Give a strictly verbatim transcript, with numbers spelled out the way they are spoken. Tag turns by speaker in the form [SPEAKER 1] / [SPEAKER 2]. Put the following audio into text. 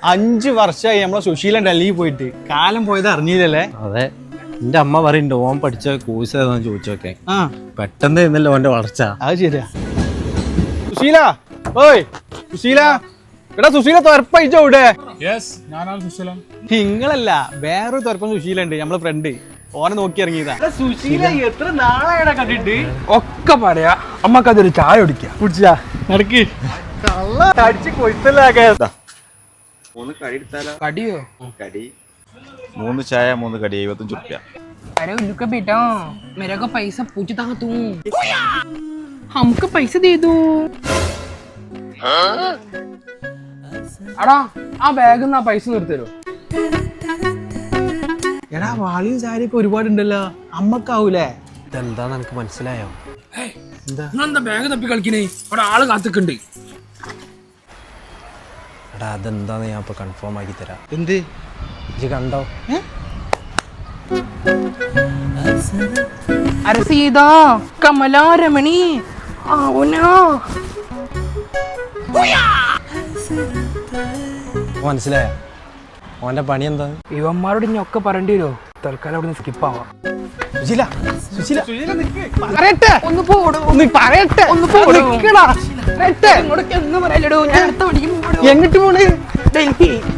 [SPEAKER 1] അഞ്ചു വർഷമായി നമ്മളെ സുശീലൻ ഡൽഹിയിൽ പോയിട്ട് കാലം പോയത് അറിഞ്ഞില്ലല്ലേ?
[SPEAKER 2] അതെ, എന്റെ അമ്മ പറയുന്നുണ്ട് ഓൻ പഠിച്ച കോഴ്സ് ഏതാന്ന് ചോദിച്ചോക്കെ.
[SPEAKER 1] ആ
[SPEAKER 2] പെട്ടെന്ന് ഇന്നല്ലോ ഓന്റെ വളർച്ച.
[SPEAKER 1] അത് ശരിയാ. സുശീല, ഓയ് സുശീല, എടാ സുശീല തുറപ്പയിച്ചോ ഇവിടെ. നിങ്ങളല്ല, വേറൊരു തുറപ്പം സുശീല ഉണ്ട്, നമ്മളെ ഫ്രണ്ട്. ഓനെ നോക്കി ഇറങ്ങിയതാ. സുശീല എത്ര നാളായടാ കണ്ടിട്ട്.
[SPEAKER 3] ഒക്കെ പറയാ, അമ്മക്കതൊരു ചായ കുടിക്കാം.
[SPEAKER 1] കുടിച്ചാ നടക്ക്. അടിച്ച് കൊയ്ത്തല്ലാകെ.
[SPEAKER 3] കടിയോ?
[SPEAKER 4] कड़ी मूന്ന് ചായ മൂന്ന് കടി എഴുപത്തഞ്ച് റുപ്യ.
[SPEAKER 5] अरे उनका बेटा मेरे को पैसा पूछता है तू, हमको पैसे दे दो.
[SPEAKER 3] അടാ ആ ബാഗ് ആ പൈസ നിർത്തരോ?
[SPEAKER 1] എടാ വാളിയും സാരിയൊക്കെ ഒരുപാടുണ്ടല്ലോ, അമ്മക്കാവൂലേ?
[SPEAKER 2] ഇതെന്താന്ന് എനിക്ക് മനസ്സിലായോ?
[SPEAKER 3] നിങ്ങളെന്താ ബാഗ് തപ്പി കളിക്കണേ? അവിടെ ആള് കാത്തിക്കുണ്ട്.
[SPEAKER 2] എടാ അതെന്താന്ന് ഞാൻ ഇപ്പൊ കൺഫേം ആക്കി തരാം.
[SPEAKER 1] എന്ത്
[SPEAKER 2] ഇജ്ജ് കണ്ടോ?
[SPEAKER 5] अरे सीधा कमला रमणी आओ ना.
[SPEAKER 2] മനസ്സിലായോ ഓന്റെ പണി എന്താ?
[SPEAKER 3] ഇവന്മാരോട് ഇനി ഒക്കെ പറയേണ്ടി വരുമോ? തൽക്കാലം അവിടെ നിന്ന് സ്കിപ്പ് ആവാം.
[SPEAKER 2] സുശീല, സുശീല,
[SPEAKER 5] പറയട്ടെ ഒന്ന് പോടോ, ഒന്ന് പറയട്ടെ ഒന്ന് പോടോ. പറയട്ടെ ഇങ്ങോട്ടൊക്കെ എന്ന് പറയലടോ, ഞാൻ അടുത്ത പണിക്ക് പോടോ.
[SPEAKER 1] എങ്ങിട്ട് പോണേ?
[SPEAKER 5] ഡൽഹി.